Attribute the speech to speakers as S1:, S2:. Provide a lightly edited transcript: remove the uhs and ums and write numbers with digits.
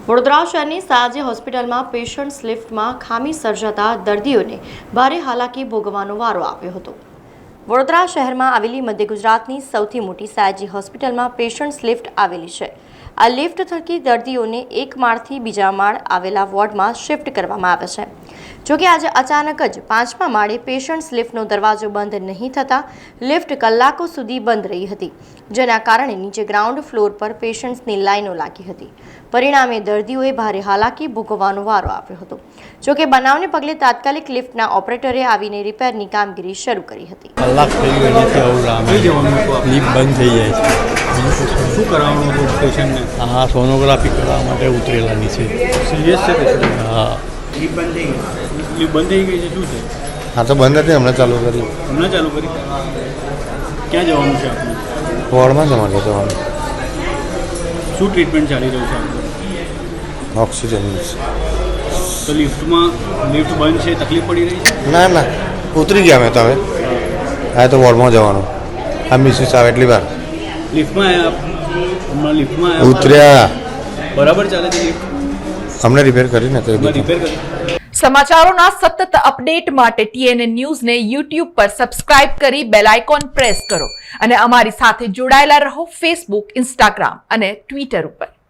S1: વડોદરા શહેરની સાજે હોસ્પિટલમાં પેશન્ટ્સ લિફ્ટમાં ખામી સર્જાતા દર્દીઓને ભારે હાલાકી ભોગવવાનો વારો આવ્યો હતો। વડોદરા શહેરમાં આવેલી મધ્ય ગુજરાતની સૌથી મોટી સાયજી હોસ્પિટલમાં પેશન્ટ્સ લિફ્ટ આવેલી છે। આ લિફ્ટ થકી દર્દીઓને એક માળથી બીજા માળ આવેલા વોર્ડમાં શિફ્ટ કરવામાં આવે છે। જોકે આજે અચાનક જ 5મા માળે પેશન્ટ્સ લિફ્ટનો દરવાજો બંધ નહીં થતાં લિફ્ટ કલાકો સુધી બંધ રહી હતી, જેના કારણે નીચે ગ્રાઉન્ડ ફ્લોર પર પેશન્ટ્સની લાઈનો લાગી હતી। પરિણામે દર્દીઓએ ભારે હાલાકી ભોગવવાનો વારો આવ્યો હતો। જોકે બનાવને પગલે તાત્કાલિક લિફ્ટના ઓપરેટરે આવીને રિપેરની કામગીરી શરૂ કરી હતી।
S2: કલાક થઈ ગયો નથી આવું લિફ્ટ બંધ થઈ જાય છે।
S3: શું કરાવવાનું હતું પેશન્ટને?
S2: હા, સોનોગ્રાફી કરવા માટે ઉતરેલાની છે।
S3: સિરિયસ છે પેશન્ટ?
S2: હા,
S3: લિફ્ટ બંધ થઈ ગઈ છે? શું છે?
S4: હા, તો બંધ હતી, હમણાં ચાલુ કરી।
S3: હમણાં ચાલુ કરી? ક્યાં જવાનું છે આપણે?
S4: વોર્ડમાં જવાનું જવાનું।
S3: શું ટ્રીટમેન્ટ ચાલી રહ્યું છે આપણે?
S4: ઓક્સિજન
S3: તો લિફ્ટ બંધ છે, તકલીફ પડી રહી છે?
S4: ના ના, ઉતરી ગયા અમે તો હવે હા, તો વોર્ડમાં જવાનું। આ મિસિસ આવે એટલી વાર
S3: લિફ્ટમાં હમણાં લિફ્ટમાં
S4: ઉતર્યા,
S3: બરાબર ચાલે છે લિફ્ટ?
S4: અમને રિપેર કરીને તો
S3: રિપેર કરી।
S5: સમાચારોના સતત અપડેટ માટે TNN ન્યૂઝને YouTube પર સબસ્ક્રાઇબ કરી બેલ આઇકોન પ્રેસ કરો અને અમારી સાથે જોડાયેલા રહો Facebook, Instagram અને Twitter ઉપર।